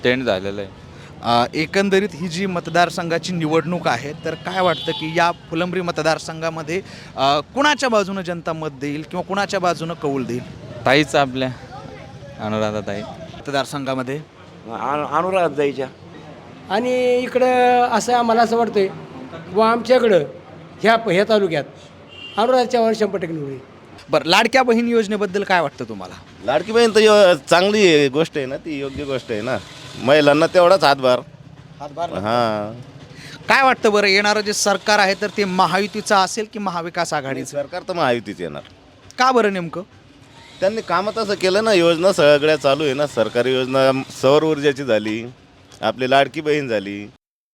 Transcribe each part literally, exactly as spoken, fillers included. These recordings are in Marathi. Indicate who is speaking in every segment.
Speaker 1: टेंड झालेलं आहे.
Speaker 2: अ, एकंदरीत ही जी मतदारसंघाची निवडणूक आहे तर काय वाटतं की या फुलंब्री मतदारसंघामध्ये अ, कुणाच्या बाजूनं जनता मत देईल किंवा कुणाच्या बाजूनं कौल देईल
Speaker 1: ताईच आपल्या अनुराधा ताई.
Speaker 2: मतदारसंघामध्ये?
Speaker 3: अनुराध जायच्या.
Speaker 4: आणि इकडं असं आम्हाला असं वाटतंय व आमच्याकडं ह्या ह्या तालुक्यात अनुराध चव्हाण शंभर टक्के निवडून येईल.
Speaker 2: बरं, लाडक्या बहीण योजनेबद्दल काय वाटतं तुम्हाला?
Speaker 3: लाडकी बहीण तर यो- चांगली गोष्ट आहे ना, ती योग्य गोष्ट आहे ना. महिलांना तेवढाच हातभार. हां,
Speaker 2: काय वाटतं बरं, येणारं जे सरकार आहे तर ते महायुतीचं असेल की महाविकास आघाडीचं?
Speaker 3: सरकार तर महायुतीच येणार.
Speaker 2: का बरं नेमकं?
Speaker 3: त्यांनी कामं तसं केलं ना, योजना सगळ्या चालू आहे ना. सरकारी योजना सौर ऊर्जाची झाली, आपली लाडकी बहीण झाली.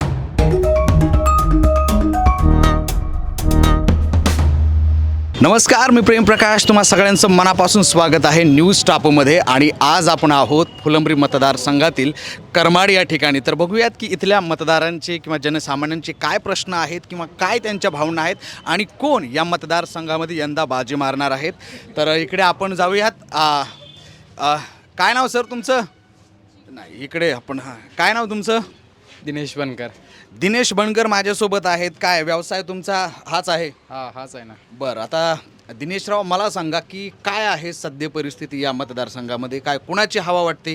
Speaker 2: नमस्कार, मी प्रेम प्रकाश, तुम्हा सगळ्यांचं मनापासून स्वागत आहे न्यूज टापमध्ये. आणि आज आपण आहोत फुलंब्री मतदारसंघातील करमाड या ठिकाणी. तर बघूयात की इथल्या मतदारांचे किंवा जनसामान्यांचे काय प्रश्न आहेत किंवा काय त्यांच्या भावना आहेत आणि कोण या मतदारसंघामध्ये यंदा बाजी मारणार आहेत. तर इकडे आपण जाऊयात. आ, आ, काय नाव सर तुमचं? नाही, इकडे आपण. हां, काय नाव तुमचं?
Speaker 5: दिनेश बनकर.
Speaker 2: दिनेश बनकर माझ्यासोबत आहेत. काय व्यवसाय तुमचा हाच आहे?
Speaker 5: हा हाच आहे ना.
Speaker 2: बरं, आता दिनेशराव मला सांगा की काय आहे सध्या परिस्थिती या मतदारसंघामध्ये? काय कुणाची हवा वाटते?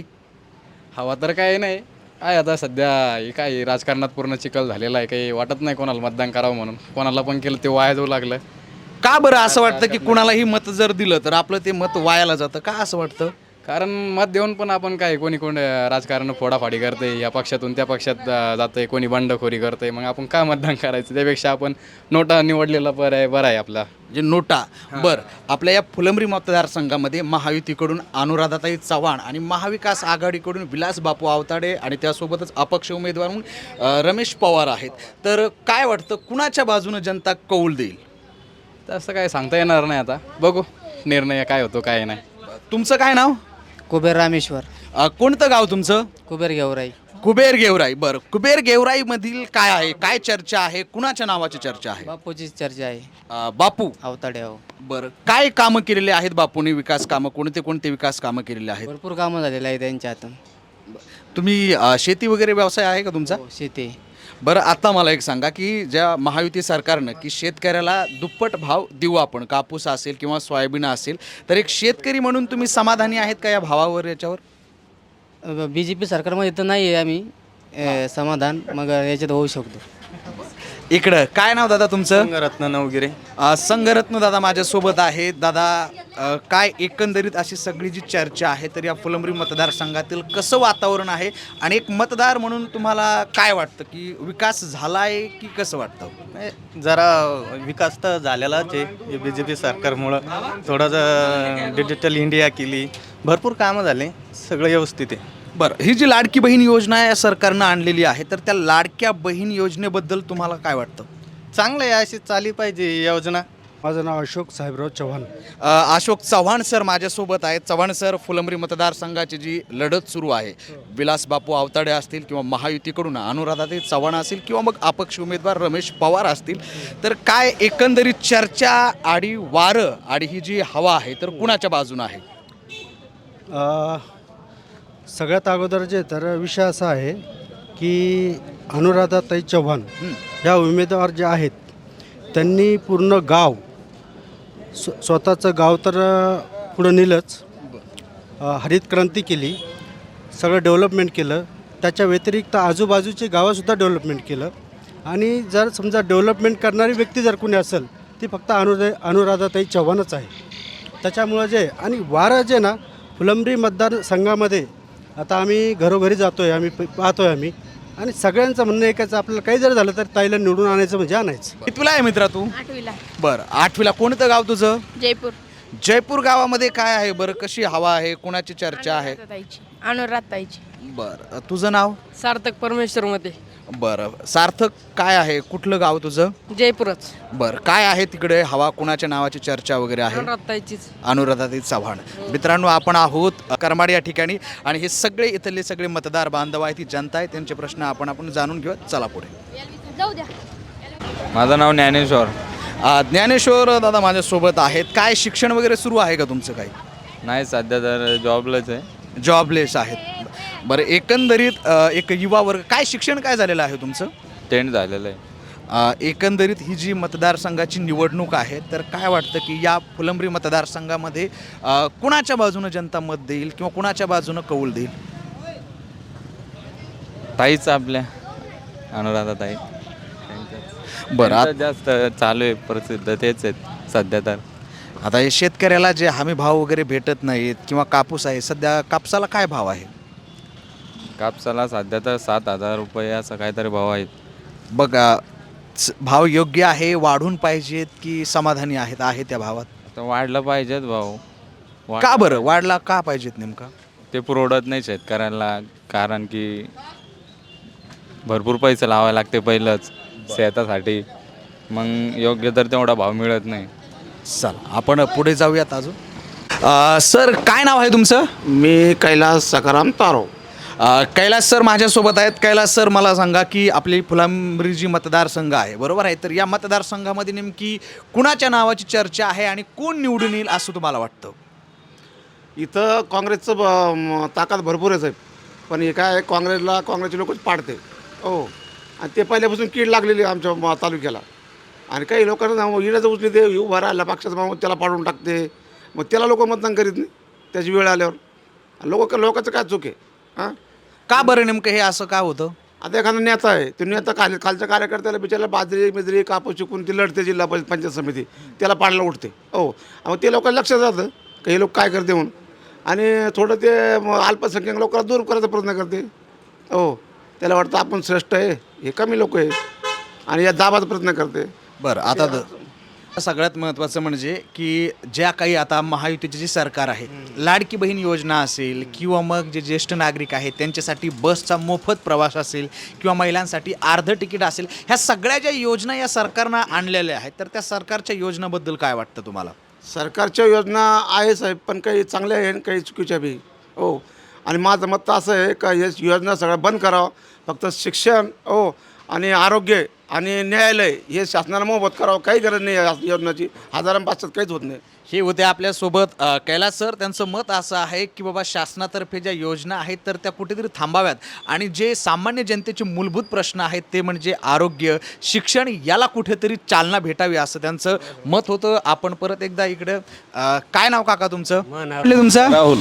Speaker 5: हवा तर काही नाही आहे आता सध्या. हे काय राजकारणात पूर्ण चिखल झालेला आहे. काही वाटत नाही कोणाला मतदान करावं म्हणून. कोणाला पण केलं ते वाया जाऊ लागलं.
Speaker 2: का बरं असं वाटतं की कुणालाही मत जर दिलं तर आपलं ते मत वायाला जातं? का असं वाटतं?
Speaker 5: कारण मत देऊन पण आपण काय कोणी कोण राजकारण फोडाफाडी करते, या पक्षातून त्या पक्षात जाते, कोणी बंडखोरी करते. मग आपण का मतदान करायचं? त्यापेक्षा आपण नोटा निवडलेला बरं आहे बरं आहे आपला.
Speaker 2: जे नोटा. बरं, आपल्या या फुलंब्री मतदारसंघामध्ये महायुतीकडून अनुराधाताई चव्हाण आणि महाविकास आघाडीकडून विलास बापू आवताडे आणि त्यासोबतच अपक्ष उमेदवार म्हणून अ, रमेश पवार आहेत. तर काय वाटतं कुणाच्या बाजूनं जनता कौल देईल?
Speaker 5: तसं काय सांगता येणार नाही आता. बघू निर्णय काय होतो काय नाही.
Speaker 2: तुमचं काय नाव?
Speaker 6: कुबेर रामेश्वर.
Speaker 2: अ, कोणतं गाव तुमचं?
Speaker 6: कुबेर गेवराई.
Speaker 2: कुबेर गेवराई. बरं, कुबेर गेवराई मधील काय आहे, काय चर्चा आहे, कुणाच्या नावाची चर्चा आहे?
Speaker 6: बापूची चर्चा आहे.
Speaker 2: अ, बापू.
Speaker 6: अवताडे हो.
Speaker 2: बरं, काय कामं केलेले आहेत बापूंनी? विकास कामं कोणते कोणते विकास कामं केलेले आहेत?
Speaker 6: भरपूर कामं झालेलं आहे त्यांच्या हातून.
Speaker 2: तुम्ही अ, शेती वगैरे व्यवसाय आहे का तुमचा?
Speaker 6: हो, शेती.
Speaker 2: बरं, आता मला एक सांगा की ज्या महायुती सरकारनं की शेतकऱ्याला दुप्पट भाव देऊ आपण, कापूस असेल किंवा सोयाबीन असेल, तर एक शेतकरी म्हणून तुम्ही समाधानी आहेत का या भावावर, याच्यावर?
Speaker 6: बी जे पी सरकारमध्ये तर नाही आहे आम्ही अ, समाधान. मग याच्यात होऊ शकतो.
Speaker 2: इकडं काय नाव दादा तुमचं?
Speaker 7: रत्न नवगिरे.
Speaker 2: अ, संघरत्न दादा माझ्यासोबत आहेत. दादा, अ, काय एकंदरीत अशी सगळी जी चर्चा आहे तर या फुलंब्री मतदारसंघातील कसं वातावरण आहे आणि एक मतदार म्हणून तुम्हाला काय वाटतं की विकास झाला आहे की कसं वाटतं?
Speaker 7: नाही, जरा विकास तर झालेलाच आहे बी जे पी सरकारमुळं. थोडंसं डिजिटल इंडिया केली, भरपूर कामं झाले, सगळं व्यवस्थित आहे.
Speaker 2: बरं, ही जी लाडकी बहीण योजना या सरकारनं आणलेली आहे तर त्या लाडक्या बहीण योजनेबद्दल तुम्हाला काय वाटतं?
Speaker 7: चांगलं आहे, अशी चालली पाहिजे योजना.
Speaker 8: माझं नाव अशोक साहेबराव चव्हाण.
Speaker 2: अ, अशोक चव्हाण सर माझ्यासोबत आहेत. चव्हाण सर, फुलंब्री मतदारसंघाची जी लढत सुरू आहे, विलास बापू आवताडे असतील किंवा महायुतीकडून अनुराधाताई चव्हाण असतील किंवा मग अपक्ष उमेदवार रमेश पवार असतील, तर काय एकंदरीत चर्चा आणि वारं आणि ही जी हवा आहे तर कुणाच्या बाजूनं आहे?
Speaker 8: अ, सगळ्यात अगोदर जे तर विषय असा आहे की अनुराधाताई चव्हाण ह्या उमेदवार जे आहेत त्यांनी पूर्ण गाव स्व स्वतःचं गाव तर पुढं नेलंच. अ, हरित क्रांती केली, सगळं डेव्हलपमेंट केलं. त्याच्या व्यतिरिक्त आजूबाजूची गावंसुद्धा डेव्हलपमेंट केलं. आणि जर समजा डेव्हलपमेंट करणारी व्यक्ती जर कोणी असेल ती फक्त अनुरा अनुराधाताई चव्हाणच आहे. त्याच्यामुळं जे आणि वारं जे ना फुलंब्री मतदारसंघामध्ये आता आम्ही घरोघरी जातो आहे, आम्ही पाहतो आहे आम्ही, आणि सगळ्यांचं म्हणणं एकच, आपल्याला काही जर झालं तर ताईला निवडून आणायचं म्हणजे आणायचं.
Speaker 2: कितवीला आहे मित्रा तू?
Speaker 9: आठवीला.
Speaker 2: बरं, आठवीला. कोणतं गाव तुझं?
Speaker 9: जयपूर.
Speaker 2: जयपूर गावामध्ये काय आहे बरं, कशी हवा आहे, कुणाची चर्चा आहे?
Speaker 9: अनुराधाताईची.
Speaker 2: बरं, तुझं नाव?
Speaker 9: सार्थक परमेश्वर मध्ये.
Speaker 2: बरं, सार्थक काय आहे, कुठलं गाव तुझं?
Speaker 9: जयपूरच.
Speaker 2: बरं, काय आहे तिकडे हवा, कुणाच्या नावाची चर्चा वगैरे आहे?
Speaker 9: अनुराधाताईचीच.
Speaker 2: अनुराधाताई चव्हाण. मित्रांनो, आपण आहोत करमाड या ठिकाणी आणि हे सगळे इथले सगळे मतदार बांधव आहेत, ही जनता आहे, त्यांचे प्रश्न आपण आपण जाणून घेऊया. चला पुढे.
Speaker 9: जाऊ द्या.
Speaker 1: माझं नाव ज्ञानेश्वर.
Speaker 2: अ, ज्ञानेश्वर दादा माझ्यासोबत आहेत. काय शिक्षण वगैरे सुरू आहे का तुमचं? काही
Speaker 1: नाही, सध्या तर जॉबलाच आहे.
Speaker 2: जॉबलेस आहेत. बरं एकंदरीत अ, एक युवा वर्ग काय शिक्षण काय झालेलं आहे तुमचं?
Speaker 1: टेंट झालेलं आहे.
Speaker 2: अ, एकंदरीत ही जी मतदारसंघाची निवडणूक आहे तर काय वाटतं की या फुलंब्री मतदारसंघामध्ये अ, कुणाच्या बाजूनं जनता मत देईल किंवा कुणाच्या बाजूनं कौल देईल?
Speaker 1: ताईच आपल्या अनुराधा ताई.
Speaker 2: बरं आत-
Speaker 1: जास्त चालू आहे, प्रसिद्ध तेच आहेत सध्या तर.
Speaker 2: आता हे शेतकऱ्याला जे हमी भाव वगैरे भेटत नाहीत किंवा कापूस आहे सध्या कापसाला काय भाव आहे?
Speaker 1: कापसाला सध्या तर सात हजार रुपये असं काहीतरी भाव आहेत.
Speaker 2: बघा स- भाव योग्य आहे, वाढून पाहिजेत की समाधानी आहेत आहे त्या भावात?
Speaker 1: तर वाढलं पाहिजेत भाव. वाढ-
Speaker 2: का बरं वाढला का पाहिजेत नेमका?
Speaker 1: ते पुरवडत नाही शेतकऱ्यांना, कारण की भरपूर पैसे लावावे लागते पहिलंच शेतासाठी, मग योग्य तर तेवढा भाव मिळत नाही.
Speaker 2: चल आपण पुढे जाऊयात अजून. अ, सर काय नाव आहे तुमचं?
Speaker 10: मी कैलास सकाराम तारो.
Speaker 2: अ, कैलास सर माझ्यासोबत आहेत. कैलास सर मला सांगा की आपली फुलंब्री जी मतदारसंघ आहे बरोबर आहे, तर या मतदारसंघामध्ये नेमकी कुणाच्या नावाची चर्चा आहे आणि कोण निवडून येईल असं तुम्हाला वाटतं?
Speaker 10: इथं काँग्रेसचं ब- म- ताकद भरपूरच आहे, पण हे काय आहे, काँग्रेसला काँग्रेसचे लोकच पाडते हो, आणि ते पहिल्यापासून कीड लागलेली आहे आमच्या म- तालुक्याला. आणि काही लोकांना इडाचं उचली ते उभा राहिला पक्षाचा मागून त्याला पाडून टाकते, मग त्याला लोक मतदान करीत नाही त्याची वेळ आल्यावर. लोक लोकांचं काय चूक आहे हां?
Speaker 2: का बरं नेमकं हे असं का होतं?
Speaker 10: आता एखादा नेता आहे, तो नेता खाली खालच्या कार्यकर्त्याला बिचारायला बाजरी बिजरी कापूस चिकून ती लढते जिल्हा परिषद पंचायत समिती, त्याला पाडला उठते हो. मग ते लोकांना लक्षात जातं की हे लोक काय करते म्हणून, आणि थोडं ते म- अल्पसंख्याक लोकांना दूर करायचा प्रयत्न करते हो. त्याला वाटतं आपण श्रेष्ठ आहे, हे कमी लोक आहे, आणि या दाबाचा प्रयत्न करते.
Speaker 2: बरं आता द- सगळ्यात महत्त्वाचं म्हणजे की ज्या काही आता महायुतीचे जे सरकार आहे, लाडकी बहीण योजना असेल किंवा मग जे ज्येष्ठ नागरिक आहेत त्यांच्यासाठी बसचा मोफत प्रवास असेल किंवा महिलांसाठी अर्ध तिकीट असेल, ह्या सगळ्या ज्या योजना या सरकारनं आणलेल्या आहेत, तर त्या सरकारच्या योजनाबद्दल काय वाटतं तुम्हाला?
Speaker 10: सरकारच्या योजना आहे साहेब, पण काही चांगल्या आहे आणि काही चुकीच्या बी हो. आणि माझं मत तर असं आहे का हे योजना सगळ्या बंद करावं, फक्त शिक्षण हो आणि आरोग्य आणि न्यायालय हे शासनाला मोफत करावं, काही गरज नाही या योजनाची. हजारां पाचशात काहीच होत नाही.
Speaker 2: हे होते आपल्यासोबत अ, कैलास सर. त्यांचं मत असं आहे की बाबा शासनातर्फे ज्या योजना आहेत तर त्या कुठेतरी थांबाव्यात, आणि जे सामान्य जनतेचे मूलभूत प्रश्न आहेत ते म्हणजे आरोग्य, शिक्षण, याला कुठेतरी चालना भेटावी असं त्यांचं मत होतं. आपण परत एकदा इकडं अ, काय नाव काका तुमचं? कुठलं तुमचं?
Speaker 3: राहुल.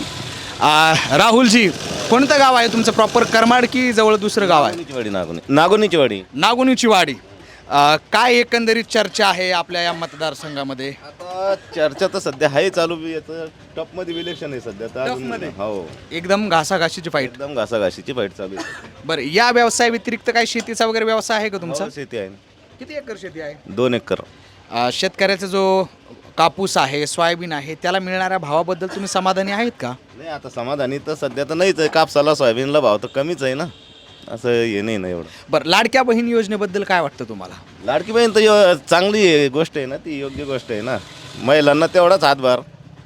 Speaker 2: अ, राहुलजी, कोणतं गाव आहे तुमचं? प्रॉपर करमाड की जवळ दुसरं गाव आहे?
Speaker 3: नागोनीची वाडी. नागोनी नागोनीची वाडी.
Speaker 2: नागोनीची वाडी. अ, काय एकंदरीत चर्चा आहे आपल्या या मतदारसंघामध्ये?
Speaker 3: आता चर्चा तर सध्या आहे चालू, याचं टॉपमध्ये इलेक्शन आहे सध्या तर अजून-
Speaker 2: टॉपमध्ये?
Speaker 3: हो,
Speaker 2: एकदम घासाघाशीची फाईट.
Speaker 3: एकदम घासाघाशीची फाईट चालू आहे.
Speaker 2: बरं, या व्यवसाय व्यतिरिक्त काही शेतीचा वगैरे व्यवसाय आहे का तुमचा?
Speaker 3: हो, शेती आहे
Speaker 2: किती एकर शेती आहे?
Speaker 3: दोन एकर.
Speaker 2: अ, शेतकऱ्याचा जो कापूस आहे, सोयाबीन आहे, त्याला मिळणाऱ्या भावाबद्दल तुम्ही समाधानी आहेत का?
Speaker 3: नाही आता समाधानी तर सध्या तर नाहीच आहे. कापसाला सोयाबीनला भाव तर कमीच आहे ना, असं हे नाही ना एवढं.
Speaker 2: बरं, लाडक्या बहीण योजनेबद्दल काय वाटतं तुम्हाला?
Speaker 3: लाडकी बहीण तर यो- चांगली आहे, गोष्ट आहे ना, ती योग्य गोष्ट आहे ना. महिलांना तेवढाच हातभार.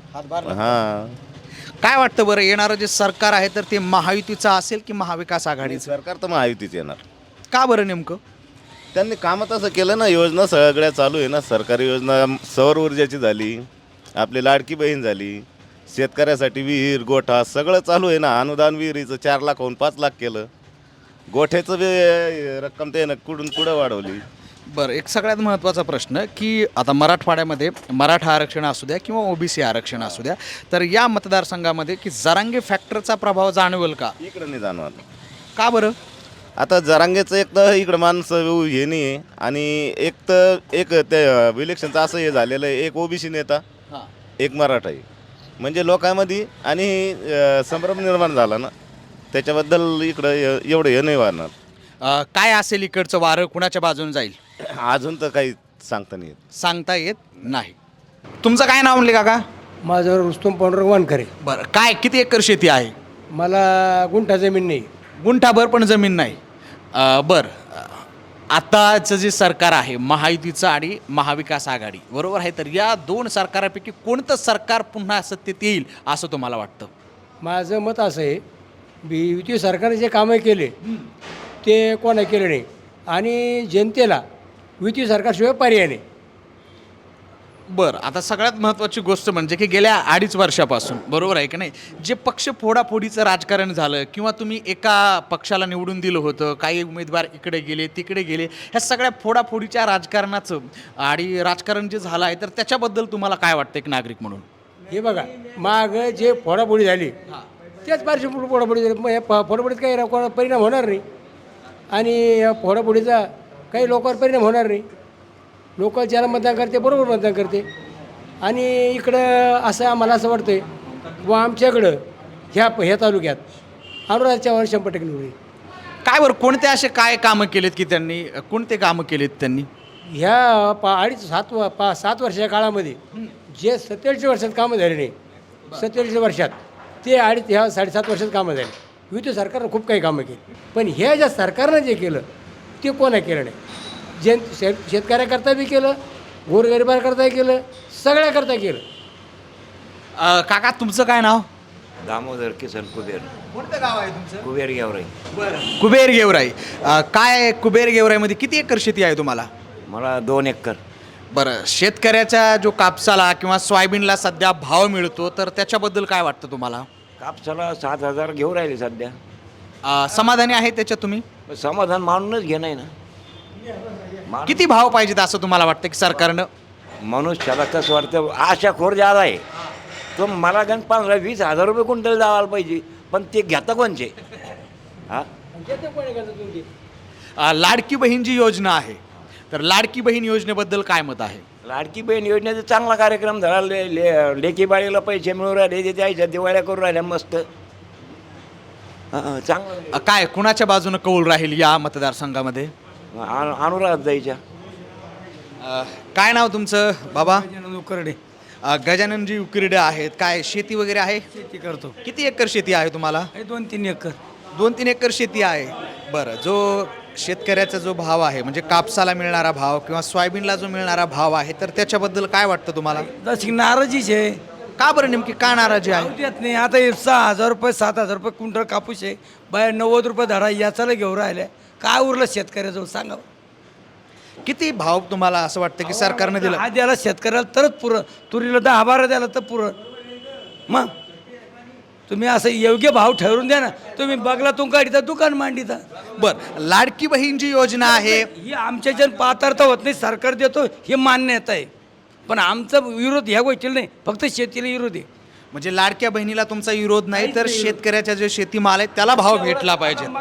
Speaker 3: हां,
Speaker 2: काय वाटतं बरं, येणारं जे सरकार आहे तर ते महायुतीचं असेल की महाविकास आघाडीचं?
Speaker 3: सरकार तर महायुतीच येणार.
Speaker 2: का बरं नेमकं?
Speaker 3: त्यांनी कामं तसं केलं ना, योजना सगळ्या चालू आहे ना. सरकारी योजना सौर ऊर्जाची झाली, आपली लाडकी बहीण झाली, शेतकऱ्यासाठी विहीर गोठा सगळं चालू आहे ना. अनुदान विहिरीचं चार लाख होऊन पाच लाख केलं. गोठ्याचं बी रक्कम ते ना कुठून पुढं वाढवली.
Speaker 2: बरं, एक सगळ्यात महत्त्वाचा प्रश्न की आता मराठवाड्यामध्ये मराठा आरक्षण असू द्या किंवा ओबीसी आरक्षण असू द्या, तर या मतदारसंघामध्ये की जरांगे फॅक्टरचा प्रभाव जाणवेल का?
Speaker 3: इकडं नाही जाणवत.
Speaker 2: का बरं?
Speaker 3: आता जरांगेचं एक तर इकडं माणसं हे नाही आहे, आणि एक तर एक ते इलेक्शनचं असं हे झालेलं आहे, एक ओबीसी नेता
Speaker 2: हां.
Speaker 3: एक मराठा आहे, म्हणजे लोकांमध्ये आणि अं, संभ्रम निर्माण झाला ना, त्याच्याबद्दल इकडं ए- एवढं हे नाही वाढणार.
Speaker 2: अ, काय असेल इकडचं वारं कुणाच्या बाजून जाईल
Speaker 3: अजून तर काही सांगता नाही येत.
Speaker 2: सांगता येत नाही. तुमचं काय नाव म्हणले काका?
Speaker 4: माझं रुस्तुम पांडुरंग वानखरे.
Speaker 2: बरं, काय किती एकर शेती आहे?
Speaker 4: मला गुंठा जमीन नाही.
Speaker 2: गुंठाभर पण जमीन नाही. अ, बरं, अ, आताचं जे सरकार आहे महायुतीचं आणि महाविकास आघाडी बरोबर आहे, तर या दोन सरकारापैकी कोणतं सरकार पुन्हा सत्तेत येईल असं तुम्हाला वाटतं?
Speaker 4: माझं मत असं आहे, बी युती सरकारने जे कामं केले ते कोणा केले नाही, आणि जनतेला युती सरकारशिवाय पर्याय नाही.
Speaker 2: बरं, आता सगळ्यात महत्त्वाची गोष्ट म्हणजे की गेल्या अडीच वर्षापासून, बरोबर आहे की नाही, जे पक्ष फोडाफोडीचं राजकारण झालं किंवा तुम्ही एका पक्षाला निवडून दिलं होतं, काही उमेदवार इकडे गेले तिकडे गेले, ह्या सगळ्या फोडाफोडीच्या राजकारणाचं आणि राजकारण जे झालं आहे तर त्याच्याबद्दल तुम्हाला काय वाटतं एक नागरिक म्हणून?
Speaker 4: हे बघा माग जे फोडाफोडी झाली त्याच पारशी फोडाफोडी झाली, मग या फ- फोडाफोडीत काही कोणा परिणाम होणार नाही आणि या फोडाफोडीचा काही लोकांवर परिणाम होणार नाही. लोक ज्याला मतदान करते बरोबर मतदान करते. आणि इकडं असं आम्हाला असं वाटतंय व आमच्याकडं ह्या ह्या तालुक्यात अनुराधा चव्हाण शंभर टक्के निवडून येईल.
Speaker 2: काय बरं, कोणते असे काय कामं केलेत की त्यांनी, कोणते कामं केलेत त्यांनी?
Speaker 4: ह्या पा अडीच सात व पा सात वर्षाच्या काळामध्ये जे सत्तेचाळीस वर्षात कामं झाले नाही, सत्तेचाळीस वर्षात ते अडीच ह्या साडेसात वर्षात कामं झाली. युती सरकारनं खूप काही कामं केली, पण हे ज्या सरकारनं जे केलं ते कोणा केलं नाही. जन शेत शेतकऱ्याकरता बी केलं, गोरगरिबांकरता केलं, सगळ्याकरता केलं.
Speaker 2: अं, काका तुमचं काय नाव?
Speaker 11: दामोदर किसन कुबेर.
Speaker 2: कोणतं गाव आहे तुमचं?
Speaker 11: कुबेर गेवराई.
Speaker 2: बरं, कुबेर गेवराई. अं, काय कुबेर गेवराईमध्ये किती एकर शेती आहे तुम्हाला?
Speaker 11: मला दोन एकर.
Speaker 2: बरं, शेतकऱ्याच्या जो कापसाला किंवा सोयाबीनला सध्या भाव मिळतो तर त्याच्याबद्दल काय वाटतं तुम्हाला?
Speaker 11: कापसाला सात हजार घेऊ राहिले सध्या.
Speaker 2: अं, समाधानी आहे त्याच्यात तुम्ही?
Speaker 11: समाधान मानूनच घे नाही ना. मान-
Speaker 2: किती भाव पाहिजेत असं तुम्हाला वाटतं की सरकारनं?
Speaker 11: मनुष्याला कसं वाटतं आशाखोर ज्यादा आहे तो मला गण पंधरा वीस हजार रुपये क्विंटल जावायला पाहिजे, पण ते घेता कोणचे? हा
Speaker 2: अं, लाडकी बहीण जी योजना आहे तर लाडकी बहीण योजनेबद्दल काय मत आहे?
Speaker 11: लाडकी बहीण योजनेचा चांगला कार्यक्रम झाला. ले ले लेकी बाळीला पैसे मिळून राहिले, ते द्यायच्या दिवाळ्या करून राहिल्या मस्त. हा, हा, चांगलं
Speaker 2: अं, काय कुणाच्या बाजूनं कौल राहील या मतदारसंघामध्ये?
Speaker 11: अनु- अनुराध द्यायच्या.
Speaker 2: अं, काय नाव तुमचं बाबा?
Speaker 8: उकरडे
Speaker 2: अं, गजाननजी उकिरडे आहेत. काय शेती वगैरे आहे?
Speaker 8: शेती करतो.
Speaker 2: किती एकर शेती आहे तुम्हाला?
Speaker 8: हे दोन तीन एकर.
Speaker 2: दोन तीन एकर शेती आहे. बरं, जो शेतकऱ्याचा जो भाव आहे म्हणजे कापसाला मिळणारा भाव किंवा सोयाबीनला जो मिळणारा भाव आहे तर त्याच्याबद्दल काय वाटतं तुम्हाला?
Speaker 8: तशी नाराजीच आहे.
Speaker 2: का बरं, नेमकी का नाराजी आहे?
Speaker 8: देत नाही. आता हे सहा हजार रुपये सात हजार रुपये क्विंटल कापूस आहे, बाहेर नव्वद रुपये धडा याचाला घेऊन राहिले. काय उरलं शेतकऱ्याजवळ सांगा?
Speaker 2: किती भाव तुम्हाला असं वाटतं की सरकारने दिला?
Speaker 8: हा द्यायला शेतकऱ्याला तरच पुरं, तुरीला दहा बारा द्यायला तर पुरं. मग तुम्ही असं योग्य भाव ठरवून द्या ना. तुम्ही बगलातून काढता दुकान मांडिता.
Speaker 2: बरं, लाडकी बहीण जी योजना आहे
Speaker 8: ही आमच्या जन पात्रता होत नाही, सरकार देतो हे मान्यता आहे, पण आमचा विरोध ह्या गोष्टीला नाही, फक्त शेतीला विरोध आहे.
Speaker 2: म्हणजे लाडक्या बहिणीला तुमचा विरोध नाही तर शेतकऱ्याच्या जे शेतीमाल आहे त्याला भाव भेटला पाहिजे.